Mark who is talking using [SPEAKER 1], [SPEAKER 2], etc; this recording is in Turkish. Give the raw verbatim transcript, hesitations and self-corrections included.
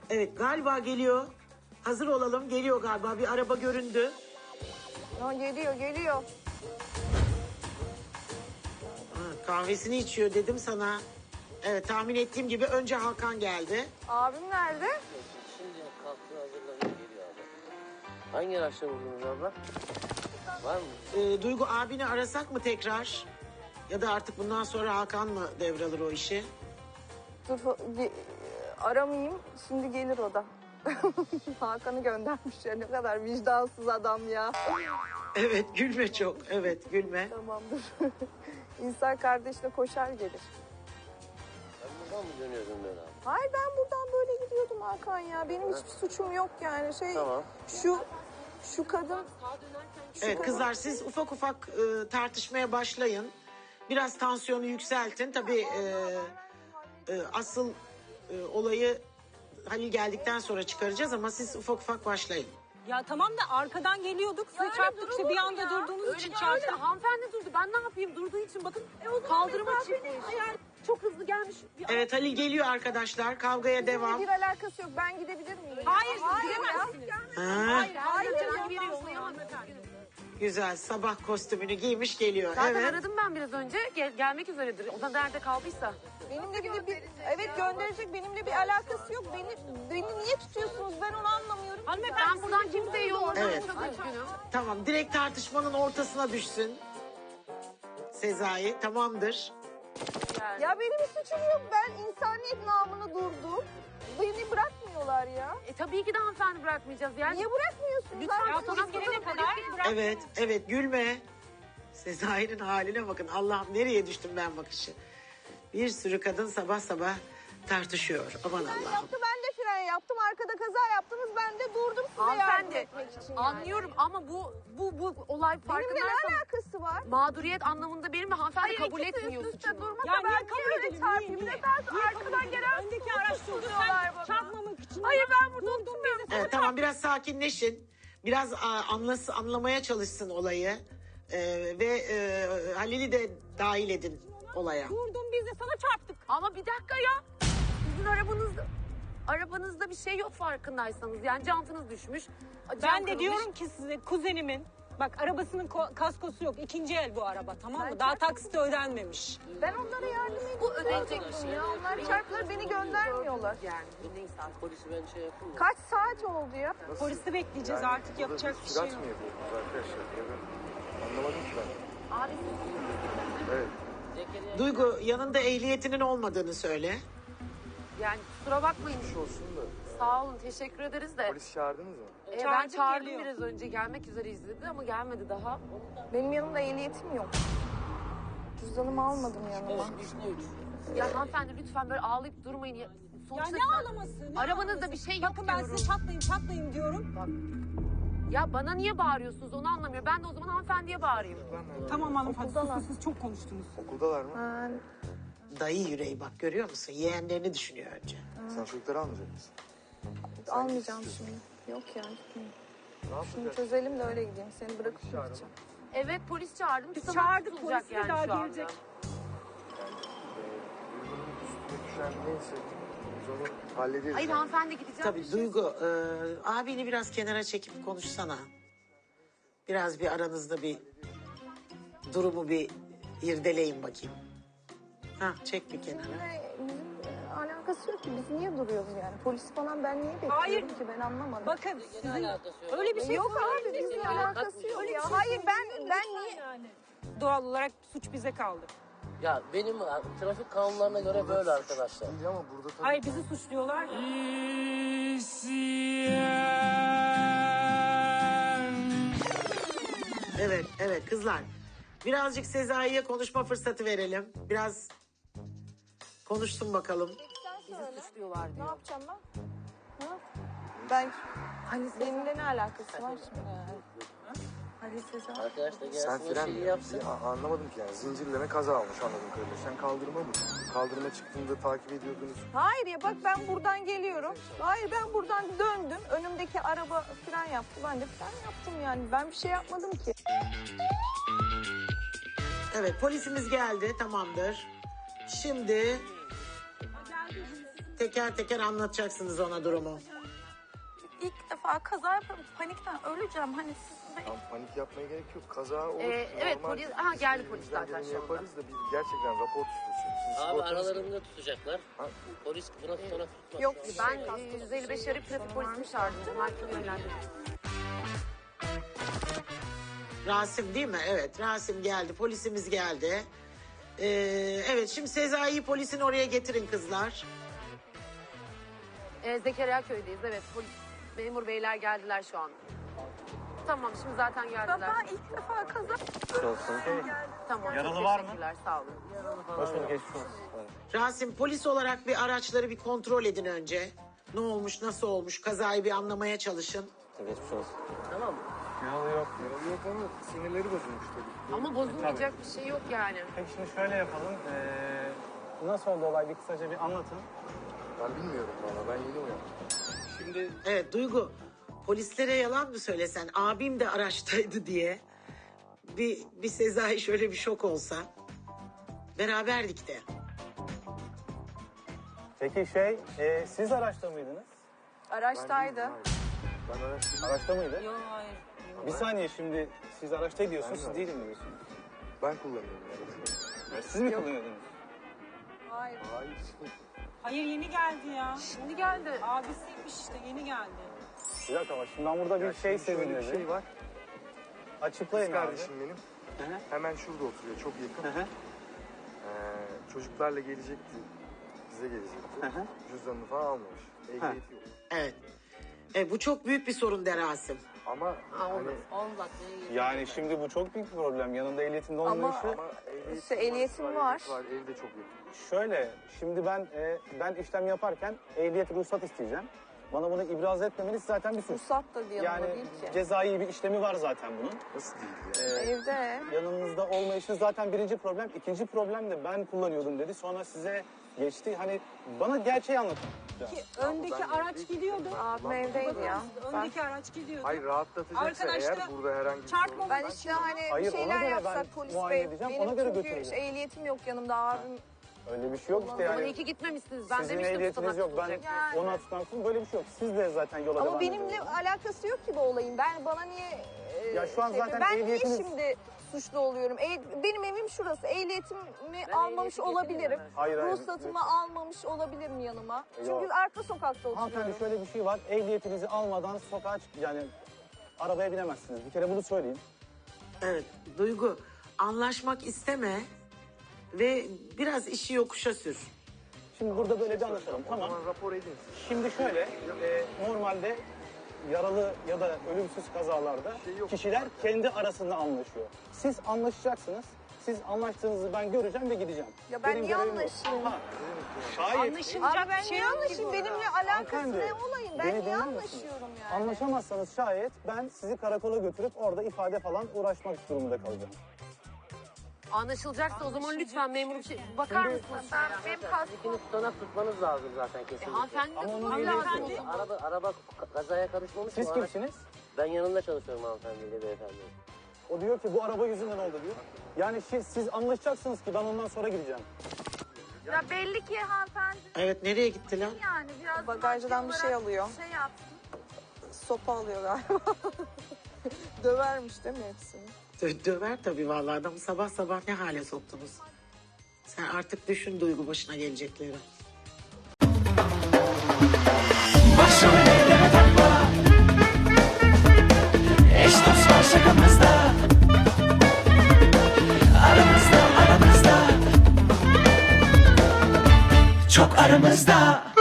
[SPEAKER 1] Evet galiba geliyor. Hazır olalım, geliyor galiba. Bir araba göründü.
[SPEAKER 2] Ha, geliyor geliyor.
[SPEAKER 1] Ha, kahvesini içiyor dedim sana. Evet tahmin ettiğim gibi önce Hakan geldi.
[SPEAKER 2] Abim nerede?
[SPEAKER 3] Şimdi kalktı hazırlanıyor geliyor abla. Hangi araçla vurdunuz abla? Var mı?
[SPEAKER 1] Ee, Duygu abini arasak mı tekrar? Ya da artık bundan sonra Hakan mı devralır o işi?
[SPEAKER 2] Dur ge- aramayayım. Şimdi gelir o da. Hakan'ı göndermiş ya. Ne kadar vicdansız adam ya.
[SPEAKER 1] Evet gülme çok. Evet gülme.
[SPEAKER 2] Tamamdır. İnsan kardeşine koşar gelir.
[SPEAKER 3] Ben buradan mı dönüyordum böyle abi?
[SPEAKER 2] Hayır ben buradan böyle gidiyordum Hakan ya. Benim hiçbir suçum yok yani. Şey
[SPEAKER 3] Tamam.
[SPEAKER 2] şu şu kadın
[SPEAKER 1] Evet kızlar siz ufak ufak e, tartışmaya başlayın. Biraz tansiyonu yükseltin. Tabii e, e, asıl e, olayı Halil geldikten sonra çıkaracağız ama siz ufak ufak başlayın.
[SPEAKER 4] Ya tamam da arkadan geliyorduk. Size çarptık işte bir anda durduğunuz için çarptık.
[SPEAKER 5] Hanımefendi durdu. Ben ne yapayım? Durduğu için bakın kaldırıma çıkmış. Yani çok hızlı gelmiş. Bir
[SPEAKER 1] Evet Halil geliyor arkadaşlar. Kavgaya devam.
[SPEAKER 2] bir alakası yok. Ben gidebilir miyim?
[SPEAKER 4] Hayır siz
[SPEAKER 2] Hayır
[SPEAKER 4] gidemezsiniz.
[SPEAKER 1] Ha,
[SPEAKER 5] hayır, hayır, herhangi biri yollayamaz.
[SPEAKER 1] güzel sabah kostümünü giymiş geliyor.
[SPEAKER 5] Zaten
[SPEAKER 1] Evet.
[SPEAKER 5] aradım ben biraz önce. Gel- gelmek üzeredir. O da nerede kaldıysa.
[SPEAKER 2] Benimle bir, bir evet gönderecek benimle bir alakası yok. Beni beni niye tutuyorsunuz? Ben onu anlamıyorum.
[SPEAKER 4] Hanımefendi
[SPEAKER 5] Ben buradan kimseyi yollamadım.
[SPEAKER 1] Evet.
[SPEAKER 5] Çok üzgünüm.
[SPEAKER 1] Tamam direkt tartışmanın ortasına düşsün. Sezai tamamdır.
[SPEAKER 5] Yani.
[SPEAKER 2] Ya benim bir suçum yok. Ben insaniyet namına durdum. Beni bırakmıyorlar ya.
[SPEAKER 5] E, tabii ki de hanımefendi bırakmayacağız. Yani
[SPEAKER 2] Niye bırakmıyorsunuz?
[SPEAKER 5] Lütfen
[SPEAKER 2] Ben
[SPEAKER 5] ya,
[SPEAKER 2] polis
[SPEAKER 5] polis gelene
[SPEAKER 2] kadar-
[SPEAKER 5] kadar bırak.
[SPEAKER 1] Evet evet gülme. Sezai'nin haline bakın. Allah'ım nereye düştüm ben bakışı. Bir sürü kadın sabah sabah tartışıyor. Aman
[SPEAKER 2] Fren
[SPEAKER 1] Allah'ım.
[SPEAKER 2] yaptı ben de fren yaptım. Arkada kaza yaptınız ben de durdum size yardım
[SPEAKER 5] Hanımefendi
[SPEAKER 2] etmek için. Yani.
[SPEAKER 5] anlıyorum ama bu bu bu olay
[SPEAKER 2] Benimle
[SPEAKER 5] farkındaysan
[SPEAKER 2] ne alakası var?
[SPEAKER 5] mağduriyet anlamında benim ve hanımefendi kabul etmiyorsun.
[SPEAKER 2] durmasa
[SPEAKER 4] Ya niye kabul edelim?
[SPEAKER 2] çarpayım?
[SPEAKER 4] Niye, niye?
[SPEAKER 2] Neden
[SPEAKER 4] Niye
[SPEAKER 2] arkadan
[SPEAKER 4] kabul edelim?
[SPEAKER 2] gelen
[SPEAKER 4] Öndeki araç durdu
[SPEAKER 2] tutuyorlar
[SPEAKER 4] sen
[SPEAKER 2] bana?
[SPEAKER 4] çarpmamak için.
[SPEAKER 2] Hayır, ben burada
[SPEAKER 4] durdum biz de.
[SPEAKER 1] Evet, tamam biraz sakinleşin. Biraz a, anlas anlamaya çalışsın olayı. Ee, ve e, Halil'i de dahil edin olaya.
[SPEAKER 4] Durdum biz de sana çarptık.
[SPEAKER 5] Ama bir dakika ya. Sizin arabanızda arabanızda bir şey yok farkındaysanız. Yani jantınız düşmüş. cam
[SPEAKER 4] Ben de
[SPEAKER 5] kırılmış.
[SPEAKER 4] diyorum ki size kuzenimin bak arabasının ko- kaskosu yok. İkinci el bu araba tamam mı?
[SPEAKER 2] Ben
[SPEAKER 4] Daha
[SPEAKER 2] çarptım.
[SPEAKER 4] taksiti ödenmemiş.
[SPEAKER 2] Ben onlara yardım ediyorum.
[SPEAKER 5] Bu ödenecek bir şey.
[SPEAKER 2] Ya onlar çarptılar beni göndermiyorlar.
[SPEAKER 5] Yani neyse artık.
[SPEAKER 3] Polisi ben şey yapayım mı?
[SPEAKER 2] Kaç saat oldu ya?
[SPEAKER 4] Polisi bekleyeceğiz artık yapacak bir şey
[SPEAKER 6] Sürat
[SPEAKER 4] yok.
[SPEAKER 6] mı yapıyorsunuz arkadaşlar? Ya ben anlamadım ki ben.
[SPEAKER 5] Abi
[SPEAKER 6] Evet.
[SPEAKER 3] Zekeriya
[SPEAKER 1] Duygu yanında ehliyetinin olmadığını söyle.
[SPEAKER 5] yani kusura bakmayın.
[SPEAKER 6] Olsun da.
[SPEAKER 5] Sağ olun teşekkür ederiz de.
[SPEAKER 6] Polis çağırdınız mı?
[SPEAKER 5] Ee, ben
[SPEAKER 4] Çağırdım,
[SPEAKER 5] çağırdım
[SPEAKER 4] geliyor.
[SPEAKER 5] biraz önce gelmek üzereyiz dedi ama gelmedi daha.
[SPEAKER 2] Benim yanımda ehliyetim yok. Cüzdanımı almadım yanıma.
[SPEAKER 3] üstüne üç.
[SPEAKER 5] Ya hanımefendi lütfen böyle ağlayıp durmayın. Ya,
[SPEAKER 4] Ya
[SPEAKER 5] sonuçta
[SPEAKER 4] ne ağlaması? Ne
[SPEAKER 5] arabanızda
[SPEAKER 4] ağlaması?
[SPEAKER 5] bir şey yok
[SPEAKER 4] Bakın ben
[SPEAKER 5] diyorum.
[SPEAKER 4] size çatlayayım çatlayayım diyorum.
[SPEAKER 5] Ya bana niye bağırıyorsunuz onu anlamıyorum. Ben de o zaman hanımefendiye bağırayım.
[SPEAKER 4] Tamam hanımefendi
[SPEAKER 2] Okuldalar.
[SPEAKER 4] siz, siz çok konuştunuz.
[SPEAKER 6] Okuldalar mı?
[SPEAKER 2] Ben
[SPEAKER 1] Dayı yüreği bak görüyor musun? Yeğenlerini düşünüyor önce.
[SPEAKER 6] Sen çocukları almayacak mısın?
[SPEAKER 2] almayacağım şimdi. Yok ya gitmeyeyim.
[SPEAKER 6] Ne
[SPEAKER 2] Şunu
[SPEAKER 6] yapacağız?
[SPEAKER 2] çözelim de öyle gideyim. Seni bırakıp gideceğim.
[SPEAKER 5] Evet polis çağırdım.
[SPEAKER 4] Biz
[SPEAKER 5] Tutanak
[SPEAKER 4] çağırdık,
[SPEAKER 5] tutulacak
[SPEAKER 4] polis de daha
[SPEAKER 5] şu anda.
[SPEAKER 4] gelecek.
[SPEAKER 6] Duygunun üstüne düşen neyse biz onu hallederiz.
[SPEAKER 5] Hayır
[SPEAKER 6] yani.
[SPEAKER 5] hanımefendi gideceğim.
[SPEAKER 1] Tabii Duygu e, abini biraz kenara çekip konuşsana. Biraz bir aranızda bir durumu bir irdeleyin bakayım. Ha çek bir kenara.
[SPEAKER 2] Bizimle, bizimle alakası yok ki. Biz niye duruyoruz yani? Polis falan ben niye bekliyorum
[SPEAKER 4] Hayır.
[SPEAKER 2] ki? Ben anlamadım.
[SPEAKER 4] Bakın
[SPEAKER 3] Ne
[SPEAKER 4] sizin
[SPEAKER 3] alakası yok?
[SPEAKER 4] öyle bir şey
[SPEAKER 2] yok abi
[SPEAKER 4] söyleyeceksiniz
[SPEAKER 2] bizimle
[SPEAKER 4] ya.
[SPEAKER 2] alakası yok
[SPEAKER 4] Öyle bir
[SPEAKER 2] ya.
[SPEAKER 4] şey
[SPEAKER 2] Hayır ben ben niye?
[SPEAKER 4] Yani. Doğal olarak suç bize kaldı.
[SPEAKER 3] Ya benim trafik kanunlarına göre böyle arkadaşlar.
[SPEAKER 6] Değil ama burada tabii.
[SPEAKER 4] Hayır bizi suçluyorlar. ya.
[SPEAKER 1] Evet evet kızlar. Birazcık Sezai'ye konuşma fırsatı verelim. Biraz konuşsun bakalım.
[SPEAKER 2] Sen söyle.
[SPEAKER 5] Suçluyorlar
[SPEAKER 2] Ne
[SPEAKER 5] diyor.
[SPEAKER 2] yapacağım ben? Ha? Ben hani benimle ne alakası var şimdi? Halil Sezai.
[SPEAKER 3] Arkadaş da
[SPEAKER 6] Sen
[SPEAKER 3] gelsin o
[SPEAKER 6] fren
[SPEAKER 3] şeyi
[SPEAKER 6] mi?
[SPEAKER 3] yapsın.
[SPEAKER 6] Ya, anlamadım ki yani. Zincirleme kaza almış anladığım kadarıyla. Sen kaldırma mı? Kaldırıma çıktığında takip ediyordunuz.
[SPEAKER 2] Hayır ya bak ben buradan geliyorum. Hayır ben buradan döndüm. Önümdeki araba fren yaptı. Ben de fren yaptım yani. Ben bir şey yapmadım ki.
[SPEAKER 1] Evet polisimiz geldi tamamdır. Şimdi teker teker anlatacaksınız ona durumu.
[SPEAKER 2] İlk defa kaza yaparım. Panikten öleceğim. Hani siz
[SPEAKER 6] Tam panik yapmaya gerek yok. Kaza olur.
[SPEAKER 5] Ee, evet,
[SPEAKER 6] normal.
[SPEAKER 5] polis- aha, geldi
[SPEAKER 6] Biz
[SPEAKER 5] polis
[SPEAKER 6] elimizden
[SPEAKER 5] zaten
[SPEAKER 6] geleni
[SPEAKER 5] şu anda.
[SPEAKER 6] yaparız da biz gerçekten rapor tutuyoruz. Siz
[SPEAKER 3] Abi
[SPEAKER 6] sigortanız-
[SPEAKER 3] aralarında tutacaklar.
[SPEAKER 6] Ha?
[SPEAKER 3] Polis buna tutana tutmaz.
[SPEAKER 2] Yok,
[SPEAKER 3] Şu an.
[SPEAKER 5] Ben e, yüz elli beş arayıp trafik polisini çağırdım. Mahkeme yönlendirdim.
[SPEAKER 1] Rasim değil mi? Evet, Rasim geldi. Polisimiz geldi. Ee, evet, şimdi Sezai'yi polisin oraya getirin kızlar.
[SPEAKER 5] Ee, Zekeriya köydeyiz. Evet, polis memur beyler geldiler şu an. Tamam, şimdi zaten geldiler.
[SPEAKER 2] ben ilk defa kaza
[SPEAKER 5] Tamam,
[SPEAKER 7] Yaralı
[SPEAKER 5] çok
[SPEAKER 7] var mı?
[SPEAKER 5] teşekkürler, sağ olun.
[SPEAKER 7] Hoş bulduk, geçmiş olsun.
[SPEAKER 1] Rasim, polis olarak bir araçları bir kontrol edin önce. Ne olmuş, nasıl olmuş, kazayı bir anlamaya çalışın.
[SPEAKER 3] Geçmiş olsun. Tamam mı?
[SPEAKER 6] Yaralı yok. Yaralı yok ama sinirleri bozulmuş tabii.
[SPEAKER 5] Ama bozulmayacak bir şey yok yani.
[SPEAKER 7] Peki şimdi şöyle yapalım. Ee, nasıl oldu olay? Bir kısaca bir anlatın.
[SPEAKER 6] Ben bilmiyorum valla. Ben yeni uyandım.
[SPEAKER 7] Şimdi
[SPEAKER 1] Evet, Duygu, polislere yalan mı söylesen, abim de araçtaydı diye. Bir, bir Sezai şöyle bir şok olsa. Beraberdik de.
[SPEAKER 7] peki şey, e, siz araçta mıydınız?
[SPEAKER 2] araçtaydı.
[SPEAKER 6] Hayır. Ben araştırdım.
[SPEAKER 7] Araçta mıydı? Yok, hayır. Bir saniye şimdi siz araçta diyorsunuz, siz değilim diyorsunuz.
[SPEAKER 6] Ben kullanıyorum yani.
[SPEAKER 7] Yani siz mi kullanıyordunuz?
[SPEAKER 2] Hayır.
[SPEAKER 6] Hayır.
[SPEAKER 4] Hayır yeni geldi ya.
[SPEAKER 5] Şimdi geldi.
[SPEAKER 4] Abisiymiş işte yeni geldi.
[SPEAKER 7] Bir dakika ama şimdi ben burada bir
[SPEAKER 6] Ya
[SPEAKER 7] şey
[SPEAKER 6] şimdi şöyle bir
[SPEAKER 7] sezinledim.
[SPEAKER 6] şey var.
[SPEAKER 7] Açıklayın
[SPEAKER 6] Kız
[SPEAKER 7] abi.
[SPEAKER 6] kardeşim benim.
[SPEAKER 7] Hı hı.
[SPEAKER 6] Hemen şurada oturuyor. Çok yakın.
[SPEAKER 7] Hı hı.
[SPEAKER 6] Ee, çocuklarla gelecekti. Bize gelecekti.
[SPEAKER 7] Hı hı.
[SPEAKER 6] Cüzdanını falan almamış. Ehliyeti yok.
[SPEAKER 1] Evet. E, bu çok büyük bir sorun de Rasim.
[SPEAKER 6] Ama
[SPEAKER 5] Aa,
[SPEAKER 6] hani
[SPEAKER 5] olmaz. Olmaz. Ne-
[SPEAKER 7] Yani şimdi bu çok büyük bir problem. Yanında ehliyetinde
[SPEAKER 2] Ama-
[SPEAKER 7] olmayışı.
[SPEAKER 6] ama ehliyet
[SPEAKER 2] İşte ehliyetim
[SPEAKER 6] var.
[SPEAKER 2] var.
[SPEAKER 6] ehliyet var. Evde çok yakın.
[SPEAKER 7] Şöyle, şimdi ben e, ben işlem yaparken ehliyet ruhsat isteyeceğim. Bana bunu ibraz etmemeniz zaten bir suç.
[SPEAKER 2] Ruhsat da diye
[SPEAKER 7] Yani
[SPEAKER 2] değil ki.
[SPEAKER 7] cezai bir işlemi var zaten bunun.
[SPEAKER 6] Nasıl değil ya?
[SPEAKER 7] Ee,
[SPEAKER 2] Evde.
[SPEAKER 7] yanınızda olmayışınız zaten birinci problem. İkinci problem de ben kullanıyordum dedi. Sonra size geçti. Hani bana gerçeği anlatın.
[SPEAKER 4] Ki öndeki
[SPEAKER 6] ben
[SPEAKER 4] araç
[SPEAKER 6] evdeydim.
[SPEAKER 4] gidiyordu.
[SPEAKER 2] Abim evdeydi ya. Ben,
[SPEAKER 4] Öndeki araç gidiyordu.
[SPEAKER 6] Hayır rahatlatacaksa
[SPEAKER 4] Arkadaşlar,
[SPEAKER 6] eğer burada herhangi bir
[SPEAKER 4] çarpma-
[SPEAKER 6] sorun.
[SPEAKER 2] ben işte hani
[SPEAKER 7] Hayır,
[SPEAKER 2] bir
[SPEAKER 7] ona
[SPEAKER 2] şeyler
[SPEAKER 7] göre
[SPEAKER 2] yapsak
[SPEAKER 7] ben
[SPEAKER 2] polis
[SPEAKER 7] muayene
[SPEAKER 2] bey.
[SPEAKER 7] edeceğim,
[SPEAKER 2] Benim
[SPEAKER 7] ona göre
[SPEAKER 2] çünkü
[SPEAKER 7] götüreceğim.
[SPEAKER 2] işte ehliyetim yok yanımda abim.
[SPEAKER 7] Öyle bir şey yok işte
[SPEAKER 5] Ama
[SPEAKER 7] yani.
[SPEAKER 5] iyi ki gitmemişsiniz. Ben
[SPEAKER 7] Sizin
[SPEAKER 5] demiştim
[SPEAKER 7] ehliyetiniz
[SPEAKER 5] tutanak
[SPEAKER 7] yok. Ben
[SPEAKER 5] tutulacak.
[SPEAKER 2] Yani.
[SPEAKER 7] ona tutansın böyle bir şey yok. Siz de zaten yola
[SPEAKER 2] Ama
[SPEAKER 7] devam
[SPEAKER 2] benimle
[SPEAKER 7] ediyorsunuz.
[SPEAKER 2] alakası yok ki bu olayın. Ben bana niye e,
[SPEAKER 7] Ya şu an
[SPEAKER 2] şey-
[SPEAKER 7] zaten
[SPEAKER 2] ben
[SPEAKER 7] ehliyetiniz-
[SPEAKER 2] niye şimdi suçlu oluyorum? E, benim evim şurası. Ehliyetimi
[SPEAKER 5] Ben
[SPEAKER 2] almamış
[SPEAKER 5] ehliyeti
[SPEAKER 2] olabilirim.
[SPEAKER 5] getiremem.
[SPEAKER 7] Hayır, hayır.
[SPEAKER 2] Ruhsatımı almamış olabilirim yanıma. Çünkü
[SPEAKER 7] Yok.
[SPEAKER 2] arka sokakta
[SPEAKER 7] Hanımefendi
[SPEAKER 2] oturuyorum.
[SPEAKER 7] şöyle bir şey var. Ehliyetinizi almadan sokağa çık yani arabaya binemezsiniz. Bir kere bunu söyleyeyim.
[SPEAKER 1] Evet, Duygu, anlaşmak isteme ve biraz işi yokuşa sür.
[SPEAKER 7] Şimdi burada böyle bir anlatalım.
[SPEAKER 6] O
[SPEAKER 7] Tamam.
[SPEAKER 6] zaman rapor edin siz.
[SPEAKER 7] Şimdi şöyle, e, normalde yaralı ya da ölümsüz kazalarda
[SPEAKER 6] Şey yok.
[SPEAKER 7] kişiler kendi arasında anlaşıyor. Siz anlaşacaksınız. Siz anlaştığınızı ben göreceğim ve gideceğim.
[SPEAKER 2] Ya ben niye
[SPEAKER 7] görevim bu.
[SPEAKER 2] anlaşayım?
[SPEAKER 7] Ha, şayet
[SPEAKER 4] Anlaşılacak
[SPEAKER 2] Abi ben
[SPEAKER 4] bir şey
[SPEAKER 2] niye
[SPEAKER 4] yok ki
[SPEAKER 2] anlaşayım?
[SPEAKER 4] bu.
[SPEAKER 2] Benimle alakası
[SPEAKER 7] Hanımefendi,
[SPEAKER 2] ne olayın? Ben
[SPEAKER 7] beni
[SPEAKER 2] niye
[SPEAKER 7] dinler misiniz?
[SPEAKER 2] anlaşıyorum yani?
[SPEAKER 7] Anlaşamazsanız şayet ben sizi karakola götürüp orada ifade falan uğraşmak durumunda kalacağım.
[SPEAKER 5] Anlaşılacaksa o zaman lütfen memur bir şey... Bakar
[SPEAKER 7] Şimdi-
[SPEAKER 5] mısınız?
[SPEAKER 2] Ben, benim kaskım.
[SPEAKER 3] İkini tutanak tutmanız lazım zaten
[SPEAKER 5] E,
[SPEAKER 3] kesinlikle.
[SPEAKER 5] hanımefendi de
[SPEAKER 7] Ama onun
[SPEAKER 5] tutmam
[SPEAKER 7] ehliyeti
[SPEAKER 5] lazım.
[SPEAKER 7] yok.
[SPEAKER 5] o zaman.
[SPEAKER 3] Araba, araba kazaya karışmamış
[SPEAKER 7] Siz
[SPEAKER 3] mı? Araç-
[SPEAKER 7] kimsiniz?
[SPEAKER 3] Ben yanında çalışıyorum hanımefendiyle beyefendi.
[SPEAKER 7] O diyor ki bu araba yüzünden oldu diyor. Yani siz, siz anlaşacaksınız ki ben ondan sonra gideceğim.
[SPEAKER 2] Ya belli ki hanımefendi
[SPEAKER 1] Evet, nereye gittiler?
[SPEAKER 2] yani biraz
[SPEAKER 8] Bagajdan
[SPEAKER 2] maddi
[SPEAKER 8] bir şey
[SPEAKER 2] olarak
[SPEAKER 8] alıyor.
[SPEAKER 2] Şey yapsın.
[SPEAKER 8] Sopa alıyor galiba. Dövermiş değil mi hepsini?
[SPEAKER 1] Dö- döver tabii vallahi adamı sabah sabah ne hale soktunuz. Sen artık düşün Duygu başına gelecekleri.
[SPEAKER 9] Başım ellere takma. Eş dost var şakamızda. Aramızda aramızda. Çok aramızda.